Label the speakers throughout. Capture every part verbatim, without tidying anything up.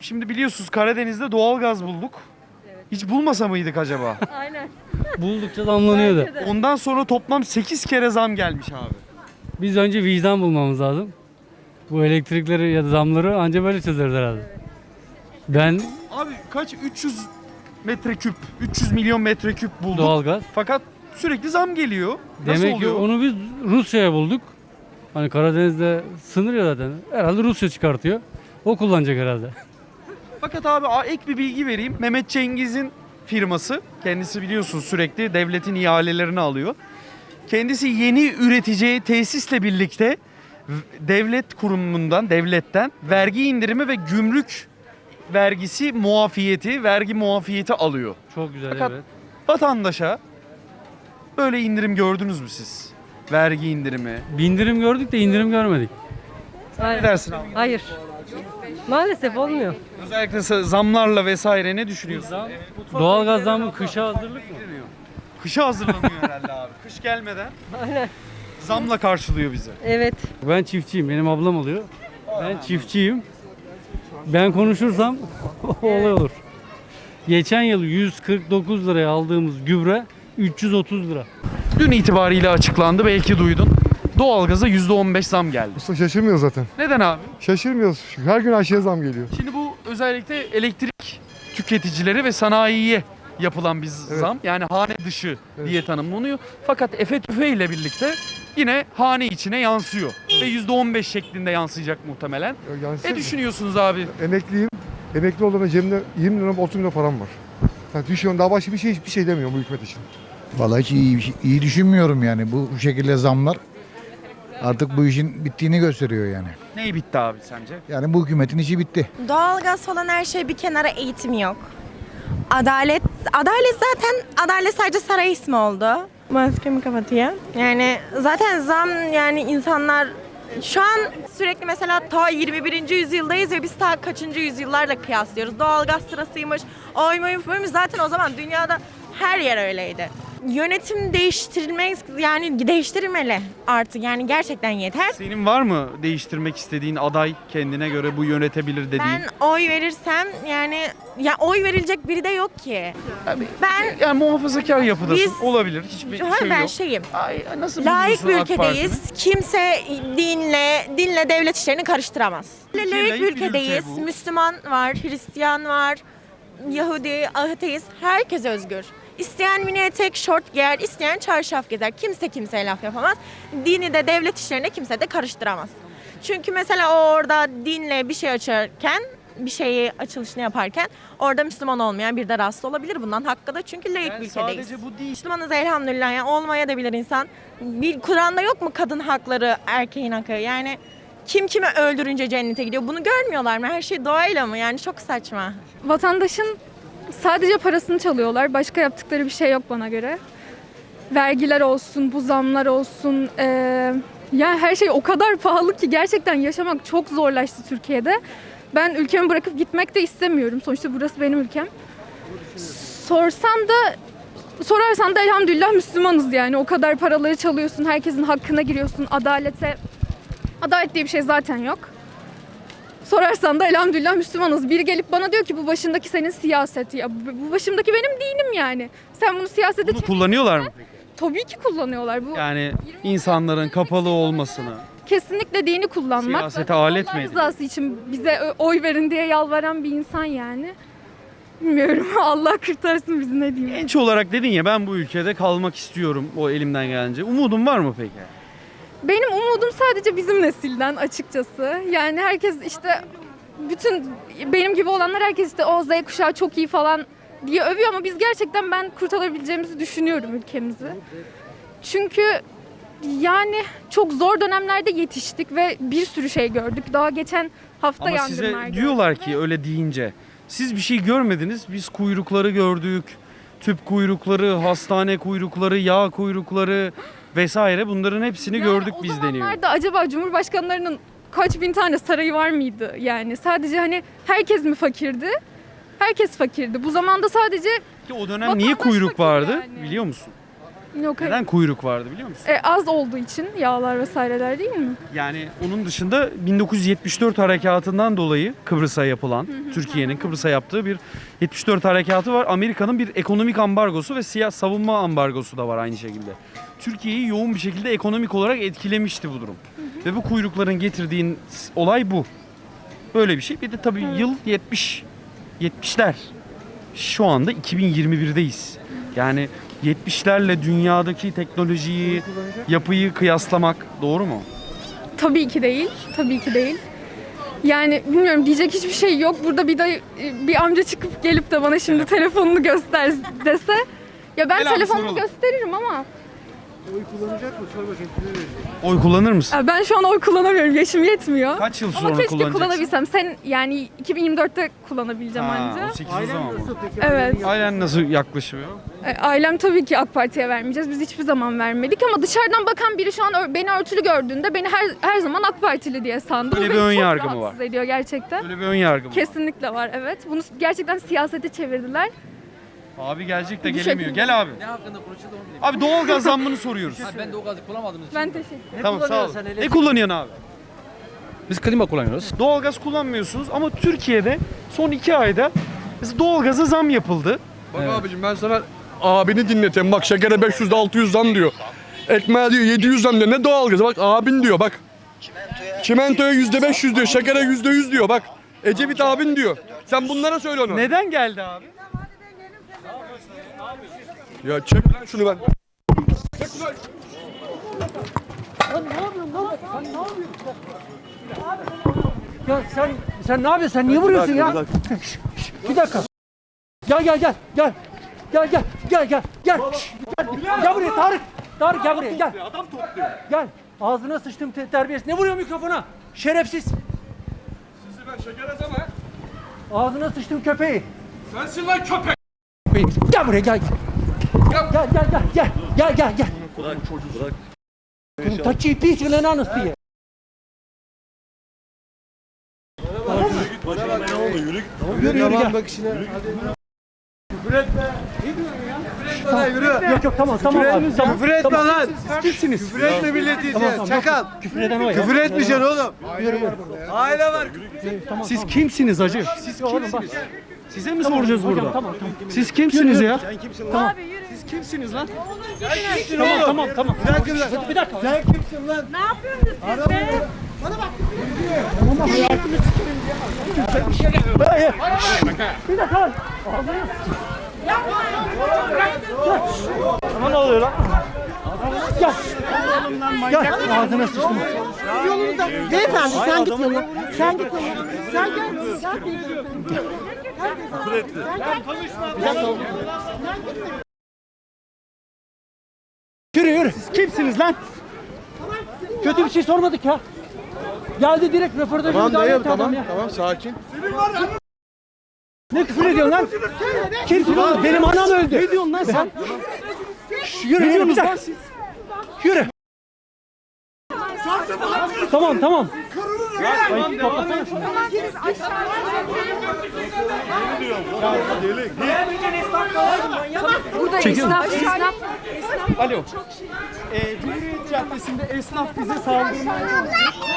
Speaker 1: Şimdi biliyorsunuz Karadeniz'de doğalgaz bulduk. Hiç bulmasa mıydık acaba?
Speaker 2: Aynen.
Speaker 3: Buldukça zamlanıyor da.
Speaker 2: Bence de.
Speaker 1: Ondan sonra toplam sekiz kere zam gelmiş abi.
Speaker 3: Biz önce vicdan bulmamız lazım. Bu elektrikleri ya da zamları anca böyle çözeriz herhalde. Ben
Speaker 1: Abi kaç? üç yüz metreküp, üç yüz milyon metreküp bulduk.
Speaker 3: doğalgaz.
Speaker 1: Fakat sürekli zam geliyor. Nasıl
Speaker 3: Demek ki
Speaker 1: oluyor?
Speaker 3: onu biz Rusya'ya bulduk. Hani Karadeniz'de sınır ya zaten. Herhalde Rusya çıkartıyor. O kullanacak herhalde.
Speaker 1: Fakat abi a- ek bir bilgi vereyim. Mehmet Cengiz'in firması, kendisi biliyorsunuz sürekli devletin ihalelerini alıyor. Kendisi yeni üreteceği tesisle birlikte v- devlet kurumundan, devletten vergi indirimi ve gümrük vergisi muafiyeti, vergi muafiyeti alıyor.
Speaker 3: Çok güzel
Speaker 1: Fakat
Speaker 3: evet.
Speaker 1: vatandaşa böyle indirim gördünüz mü siz? Vergi indirimi.
Speaker 3: Bindirim gördük de indirim görmedik.
Speaker 1: Ne dersin abi?
Speaker 2: Hayır. Maalesef olmuyor.
Speaker 1: Özellikle sa- zamlarla vesaire ne düşünüyorsun?
Speaker 3: Doğalgaz zammı kışa hazırlık mı?
Speaker 1: Kışa hazırlanıyor herhalde abi. Kış gelmeden
Speaker 2: Aynen.
Speaker 1: zamla karşılıyor bizi.
Speaker 2: Evet.
Speaker 3: Ben çiftçiyim. Benim ablam oluyor. Ben çiftçiyim. Ben konuşursam olay olur. Geçen yıl yüz kırk dokuz liraya aldığımız gübre üç yüz otuz lira.
Speaker 1: Dün itibariyle açıklandı, belki duydun. Doğalgaza yüzde on beş zam geldi.
Speaker 4: Usta şaşırmıyoruz zaten.
Speaker 1: Neden abi?
Speaker 4: Şaşırmıyoruz. Her gün her şeye zam geliyor.
Speaker 1: Şimdi bu özellikle elektrik tüketicileri ve sanayiye yapılan bir
Speaker 4: Evet.
Speaker 1: zam. Yani hane dışı
Speaker 4: Evet.
Speaker 1: diye tanımlanıyor. Fakat efe tüfe ile birlikte yine hane içine yansıyor. Ve yüzde on beş şeklinde yansıyacak muhtemelen.
Speaker 4: Yani
Speaker 1: Ne düşünüyorsunuz abi?
Speaker 4: Emekliyim. Emekli olduğumda cebimde yirmi lira otuz lira param var. Yani düşünüyorum daha başka bir şey hiçbir şey demiyorum bu hükümet için.
Speaker 5: Vallahi hiç iyi, iyi düşünmüyorum yani bu şekilde zamlar artık bu işin bittiğini gösteriyor yani.
Speaker 1: Ney bitti abi sence?
Speaker 5: Yani bu hükümetin işi bitti.
Speaker 6: Doğalgaz falan her şey bir kenara, eğitim yok. Adalet, adalet zaten, adalet sadece saray ismi oldu. Maskemi kapatıyor. Yani zaten zam, yani insanlar şu an sürekli mesela ta yirmi birinci yüzyıldayız ve biz ta kaçıncı yüzyıllarla kıyaslıyoruz. Doğalgaz sırasıymış, oy moy moy, zaten o zaman dünyada her yer öyleydi. Yönetim değiştirilmek, yani değiştirilmeli artık, yani gerçekten yeter.
Speaker 1: Senin var mı değiştirmek istediğin aday, kendine göre bu yönetebilir dediğin?
Speaker 6: Ben oy verirsem, yani ya oy verilecek biri de yok ki. Ben
Speaker 1: Yani muhafazakar yapıdasın.
Speaker 6: Biz-
Speaker 1: Olabilir. Hiçbir
Speaker 6: Ha,
Speaker 1: şey
Speaker 6: ben
Speaker 1: yok.
Speaker 6: şeyim.
Speaker 1: Ay, nasıl
Speaker 6: Layık bir
Speaker 1: buluyorsun AK
Speaker 6: ülkedeyiz.
Speaker 1: Parti'ni?
Speaker 6: Kimse dinle dinle devlet işlerini karıştıramaz.
Speaker 1: Türkiye
Speaker 6: Layık
Speaker 1: layık
Speaker 6: bir
Speaker 1: bir ülke
Speaker 6: ülkedeyiz.
Speaker 1: bu.
Speaker 6: Müslüman var, Hristiyan var, Yahudi, ateist. Herkes özgür. İsteyen mini etek, şort giyer, isteyen çarşaf gezer. Kimse kimseye laf yapamaz. Dini de devlet işlerine kimse de karıştıramaz. Çünkü mesela o orada dinle bir şey açarken, bir şeyi açılışını yaparken orada Müslüman olmayan bir de rahatsız olabilir bundan. Hakkı da, çünkü layık
Speaker 1: Yani
Speaker 6: bir ülkedeyiz.
Speaker 1: sadece bu değil.
Speaker 6: Müslümanız elhamdülillah, yani olmaya da bilir insan. Bir Kur'an'da yok mu kadın hakları, erkeğin hakkı? Yani kim kimi öldürünce cennete gidiyor? Bunu görmüyorlar mı? Her şey doğayla mı? Yani çok saçma.
Speaker 7: Vatandaşın sadece parasını çalıyorlar. Başka yaptıkları bir şey yok bana göre. Vergiler olsun, bu zamlar olsun. eee, yani her şey o kadar pahalı ki gerçekten yaşamak çok zorlaştı Türkiye'de. Ben ülkemi bırakıp gitmek de istemiyorum. Sonuçta burası benim ülkem. Sorsan da sorarsan da elhamdülillah Müslümanız yani. O kadar paraları çalıyorsun, herkesin hakkına giriyorsun, adalete. Adalet diye bir şey zaten yok. Sorarsan da elhamdülillah Müslümanız. Biri gelip bana diyor ki bu başındaki senin siyaset. Ya bu bu başımdaki benim dinim yani. Sen bunu siyasete
Speaker 1: Bunu
Speaker 7: çek-
Speaker 1: kullanıyorlar mı peki?
Speaker 7: Tabii ki kullanıyorlar. Bu
Speaker 1: Yani insanların kapalı olmasını.
Speaker 7: kesinlikle dini kullanmak.
Speaker 1: Siyasete
Speaker 7: Zaten
Speaker 1: alet
Speaker 7: Allah
Speaker 1: mi ediyor?
Speaker 7: rızası için bize ö- oy verin diye yalvaran bir insan yani. Bilmiyorum. Allah kurtarsın bizi, ne diyeyim.
Speaker 1: Genç olarak dedin ya, ben bu ülkede kalmak istiyorum o elimden gelince. Umudun var mı peki?
Speaker 7: Benim umudum sadece bizim nesilden açıkçası. Yani herkes işte, bütün benim gibi olanlar herkes işte o Z kuşağı çok iyi falan diye övüyor ama biz gerçekten, ben kurtarabileceğimizi düşünüyorum ülkemizi. Çünkü yani çok zor dönemlerde yetiştik ve bir sürü şey gördük. Daha geçen hafta
Speaker 1: Ama
Speaker 7: yangınlar
Speaker 1: size
Speaker 7: gördük
Speaker 1: diyorlar
Speaker 7: ve-
Speaker 1: ki öyle deyince. Siz bir şey görmediniz. Biz kuyrukları gördük. Tüp kuyrukları, hastane kuyrukları, yağ kuyrukları vesaire, bunların hepsini
Speaker 7: Yani
Speaker 1: gördük
Speaker 7: o
Speaker 1: biz deniyor.
Speaker 7: zamanlarda acaba Cumhurbaşkanlarının kaç bin tane sarayı var mıydı? Yani sadece hani herkes mi fakirdi? Herkes fakirdi. Bu zamanda sadece
Speaker 1: Ki o dönem niye
Speaker 7: Vatandaş
Speaker 1: kuyruk
Speaker 7: fakir
Speaker 1: vardı
Speaker 7: yani.
Speaker 1: biliyor musun?
Speaker 7: Yok hayır.
Speaker 1: Neden kuyruk vardı biliyor musun?
Speaker 7: E, az olduğu için yağlar vesaireler değil mi?
Speaker 1: Yani onun dışında bin dokuz yüz yetmiş dört harekatından dolayı Kıbrıs'a yapılan, Türkiye'nin Kıbrıs'a yaptığı bir yetmiş dört harekatı var. Amerika'nın bir ekonomik ambargosu ve siyah savunma ambargosu da var aynı şekilde. Türkiye'yi yoğun bir şekilde ekonomik olarak etkilemişti bu durum. Ve bu kuyrukların getirdiğin olay bu. Böyle bir şey. Bir de tabii yıl yetmiş. yetmişler. Şu anda iki bin yirmi birdeyiz. Yani yetmişlerle dünyadaki teknolojiyi, yapıyı kıyaslamak doğru mu?
Speaker 7: Tabii ki değil. Tabii ki değil. Yani bilmiyorum diyecek hiçbir şey yok. Burada bir dayı, bir amca çıkıp gelip de bana şimdi telefonunu göster dese ya ben
Speaker 1: Gel abi,
Speaker 7: telefonumu
Speaker 1: soralım.
Speaker 7: gösteririm ama
Speaker 1: Oy kullanır mısın?
Speaker 7: ya ben şu an oy kullanamıyorum. Yaşım yetmiyor.
Speaker 1: Kaç yıl
Speaker 7: Ama
Speaker 1: sonra
Speaker 7: keşke
Speaker 1: kullanacaksın?
Speaker 7: kullanabilsem. Sen yani iki bin yirmi dörtte kullanabileceğim
Speaker 1: Ha,
Speaker 7: anca.
Speaker 1: on sekiz o zaman mı?
Speaker 7: Evet.
Speaker 1: Ailen nasıl yaklaşıyor?
Speaker 7: E, Ailem tabii ki AK Parti'ye vermeyeceğiz. Biz hiçbir zaman vermedik ama dışarıdan bakan biri şu an ör- beni örtülü gördüğünde beni her her zaman AK Partili diye sandı.
Speaker 1: Öyle
Speaker 7: Bu
Speaker 1: bir
Speaker 7: beni
Speaker 1: ön
Speaker 7: çok
Speaker 1: yargı mı
Speaker 7: rahatsız
Speaker 1: var?
Speaker 7: ediyor gerçekten.
Speaker 1: Böyle bir ön yargı mı?
Speaker 7: Kesinlikle var evet. Bunu gerçekten siyasete çevirdiler.
Speaker 1: Abi gelecek de
Speaker 7: Bu
Speaker 1: gelemiyor.
Speaker 7: şekilde.
Speaker 1: Gel abi.
Speaker 8: Ne hakkında konuşuldu onu bilmiyorum.
Speaker 1: Abi doğalgaz zammını soruyoruz.
Speaker 8: Ha, ben de o gazı kullanmadığım için.
Speaker 7: Ben teşekkür ederim.
Speaker 1: Tamam sağ ol. Ne kullanıyorsun abi?
Speaker 8: Biz klima kullanıyoruz.
Speaker 1: Doğalgaz kullanmıyorsunuz ama Türkiye'de son iki ayda doğalgaza zam yapıldı.
Speaker 9: Bak abicim ben sana abini dinleteyim. Bak şekere beş yüz altı yüz zam diyor. Ekmeğe diyor yedi yüz zam diyor. Ne doğalgazı? Bak abin diyor bak. Çimentoya yüzde beş yüz diyor. Şekere yüzde yüz diyor. Bak Ecevit abin diyor. Sen bunlara söyle onu.
Speaker 1: Neden geldi abi?
Speaker 9: Ya çek lan şunu ben.
Speaker 10: Ya sen sen ne yapıyorsun? Sen niye vuruyorsun ya? Şş, şş, bir dakika. Gel gel gel gel. Gel gel gel gel gel. Şş, Gel, gel buraya Tarık. Tarık gel buraya gel. Adam topluyor. Gel. Ağzına sıçtım te- terbiyesiz. Ne vuruyor mikrofona? Şerefsiz.
Speaker 9: Sizi ben şekere zam ha.
Speaker 10: Ağzına sıçtım köpeği.
Speaker 9: Sensin lan köpek.
Speaker 10: Gel buraya gel. Gel gel gel gel gel gel gel gel. Bırak çocuğu bırak. Taçı piç lan anasını. Yürü yürü gel.
Speaker 4: Bak işine.
Speaker 10: Yok yok tamam tamam abi. Tamam.
Speaker 4: Küfür etme
Speaker 10: Tamam.
Speaker 4: lan.
Speaker 10: Kimsiniz?
Speaker 4: Küfür etme milleti
Speaker 10: Tamam,
Speaker 4: ya.
Speaker 10: tamam,
Speaker 4: Çakal.
Speaker 10: Küfür eden o ya.
Speaker 4: Küfür etmeyeceksin oğlum. Aile var.
Speaker 1: Siz kimsiniz hacı?
Speaker 10: Siz oğlum bak.
Speaker 1: Size mi soracağız burada?
Speaker 10: Tamam tamam.
Speaker 1: Siz kimsiniz ya?
Speaker 10: Siz kimsiniz lan? Tamam tamam tamam.
Speaker 4: Bir dakika bir dakika.
Speaker 10: Bir dakika.
Speaker 4: Sen kimsin lan?
Speaker 6: Ne yapıyorsunuz siz be?
Speaker 10: Bir dakika lan. Sana ne oluyor lan? Gel. Gel. Ağzına sıçtım.
Speaker 2: Beyefendi sen git yoluna. Sen git yoluna. Sen gel.
Speaker 10: Yürü yürü. Siz kimsiniz lan? Kötü bir şey sormadık ya. Geldi direkt röportajı
Speaker 4: Tamam
Speaker 10: müdahale
Speaker 4: dayı
Speaker 10: etti adam
Speaker 4: tamam
Speaker 10: ya.
Speaker 4: tamam sakin.
Speaker 10: Ne küfür ediyorsun lan? Kimsin oğlum? Benim anam öldü. Ne diyorsun lan sen? Şş, Yürü yürü bir dakika. Yürü. Tamam tamam. Ay, toplasana şunu.
Speaker 7: Burada esnaf, esnaf.
Speaker 1: Alo. Ee, Cumhuriyet Caddesi'nde esnaf bize saldırmaya...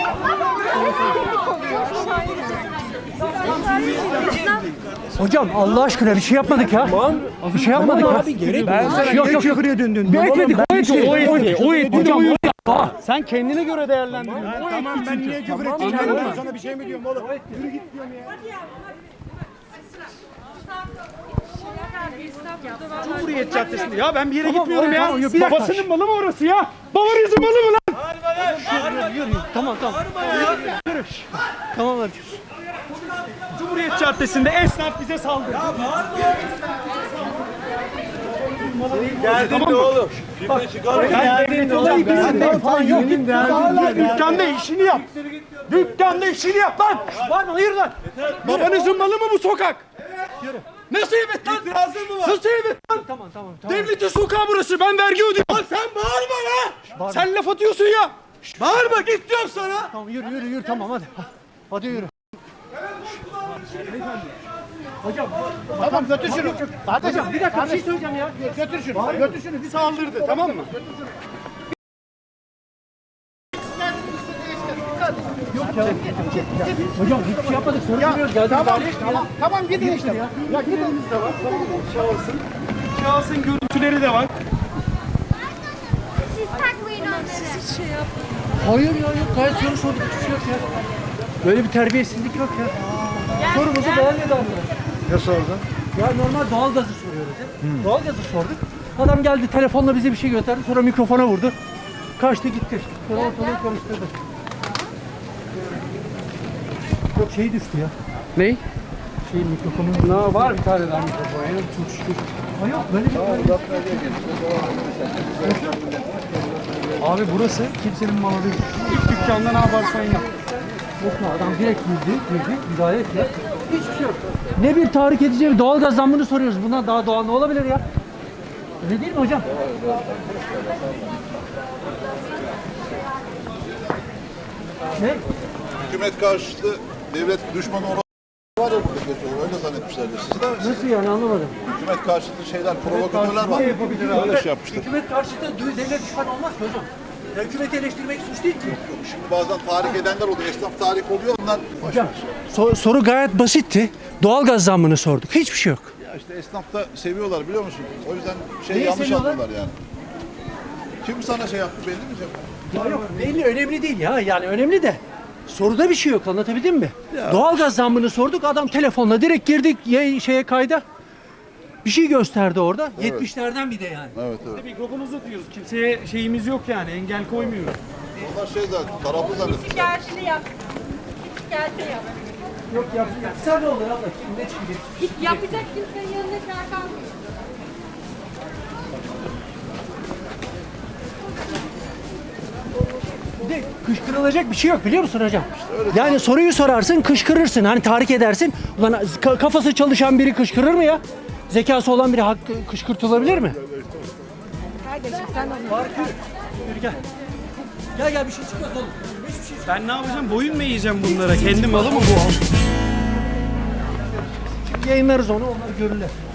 Speaker 10: Hocam Allah aşkına bir şey yapmadık ya. Bir şey yapmadık ya.
Speaker 4: Abi gerek ben sana
Speaker 10: Yok yok yok.
Speaker 4: döndün.
Speaker 10: Bir etmedik. O etti.
Speaker 1: O etti, o etti.
Speaker 10: Hocam o etti.
Speaker 1: Sen kendine göre değerlendiriyorsun. O
Speaker 4: Tamam
Speaker 1: etti
Speaker 4: ben
Speaker 1: çünkü.
Speaker 4: niye küfür edeceğim? Ben sana bir şey mi diyorum oğlum? Yürü git diyorum ya.
Speaker 1: Cumhuriyet Caddesi'nde. Ya ben bir yere
Speaker 10: Tamam,
Speaker 1: gitmiyorum ya.
Speaker 10: tamam, yok, bir dakika.
Speaker 1: Babasının malı mı orası ya? Babarizm malı mı lan?
Speaker 10: Tamam tamam. Yürü. Tamam hadi.
Speaker 1: Cumhuriyet Caddesi'nde esnaf bize saldırdı.
Speaker 4: Geldin de oğlum.
Speaker 1: Ben olayı bizim falan yok. Dükkanda işini yap. Dükkanda işini yap lan.
Speaker 10: Var mı? Hayır lan.
Speaker 1: Babanızın malı mı bu sokak?
Speaker 10: Yürü.
Speaker 1: Nasıl evet lan?
Speaker 4: İtirazın mı var?
Speaker 1: Nasıl evet lan?
Speaker 10: Tamam tamam tamam.
Speaker 1: Devletin sokağı burası. Ben vergi ödüyorum. Lan sen bağırma lan. Sen laf atıyorsun ya. Bağırma git diyorum sana.
Speaker 10: Tamam yürü yürü yürü tamam hadi. Hadi yürü. Hocam.
Speaker 2: Tamam götür şunu. Kardeşim
Speaker 10: Hocam bir dakika bir şey söyleyeceğim ya.
Speaker 2: götür şunu. Götür şunu. Bir saldırdı tamam mı?
Speaker 10: Hocam hiçbir şey yapmadık. Soru soruyoruz. Geldik
Speaker 2: Tamam,
Speaker 10: müdahale etmiyor.
Speaker 2: tamam, tamam gidin işte. Ya gidin.
Speaker 1: de var. Tamam mı? Şahısın. Şahsın görüntüleri de var.
Speaker 10: Hayır ya yok. Gayet soru sorduk. Hiçbir şey yok ya. Böyle bir terbiyesizlik yok ya. Sorumuzu beğenmedi arkadaş.
Speaker 4: Ne sordun?
Speaker 10: Ya normal doğalgazı soruyoruz ya. Doğalgazı sorduk. Adam geldi telefonla bize bir şey gösterdi. Sonra mikrofona vurdu. Kaçtı gitti. Sonra ortalığı karıştırdı. Yok şey düştü ya.
Speaker 3: Ney?
Speaker 10: Şey mikrofonun...
Speaker 3: Ne var bir tane daha mikrofon. Yani çok şükür.
Speaker 10: Ha yok böyle bir... Böyle...
Speaker 1: Abi burası kimsenin malı değil. İlk dükkanda ne yaparsan yap.
Speaker 10: Yok mu adam direkt girdi, girdi, müdahale etti. Hiçbir şey yok. Ne bir tahrik edici bir doğalgaz zammını soruyoruz. Bundan daha doğal ne olabilir ya? Öyle değil mi hocam? Ne?
Speaker 11: Hükümet karşıtı devlet düşmanı olan var ya burada geçiyor. Öyle zannetmişlerdi. Siz de
Speaker 10: Nasıl yani anlamadım.
Speaker 11: hükümet karşıtı şeyler, provokatörler var. Öyle şey yapmışlar.
Speaker 10: Hükümet karşıtı devlet düşman olmaz ki hocam. Ya hükümeti eleştirmek suç değil ki.
Speaker 11: Yok, şimdi bazen tahrik edenler oluyor. Esnaf tahrik oluyor. Onlar
Speaker 10: Hocam so- soru gayet basitti. Doğalgaz zammını sorduk. Hiçbir şey yok.
Speaker 11: ya işte esnafta seviyorlar biliyor musun? O yüzden şey
Speaker 10: Neyi
Speaker 11: yanlış
Speaker 10: seviyorlar?
Speaker 11: anlıyorlar yani. Kim sana şey yaptı belli mi Cem?
Speaker 10: Ya yok belli önemli değil ya. Yani önemli de soruda bir şey yok anlatabildim mi? Doğalgaz zammını sorduk. Adam telefonla direkt girdik ya- şeye kayda. Bir şey gösterdi orada. yetmişlerden bir de yani.
Speaker 11: Evet evet.
Speaker 1: Mikrofonu uzatıyoruz. Kimseye şeyimiz yok yani. Engel koymuyoruz.
Speaker 11: Onlar şey zaten taraflı zannetmişler.
Speaker 6: Gerçi yap. Gerçi yap.
Speaker 10: Yok yap, yapsa ne olur abla? Kim ne çıkacak?
Speaker 6: Hiç yapacak kimsenin yanında kar kalmıyor.
Speaker 10: Bir de kışkırılacak bir şey yok biliyor musun hocam? Yani soruyu sorarsın, kışkırırsın. Hani tahrik edersin. Ulan ka- kafası çalışan biri kışkırır mı ya? Zekası olan biri hak kışkırtılabilir mi?
Speaker 6: Kardeşim sen onu.
Speaker 10: Var ki. Yürü gel. Gel gel bir şey çıkmaz oğlum. Hiçbir şey çıkmaz.
Speaker 1: Ben ne yapacağım? Boyun mu eğeceğim bunlara? Kendi malı mı bu?
Speaker 10: Yayınlarız onu, onlar görürler.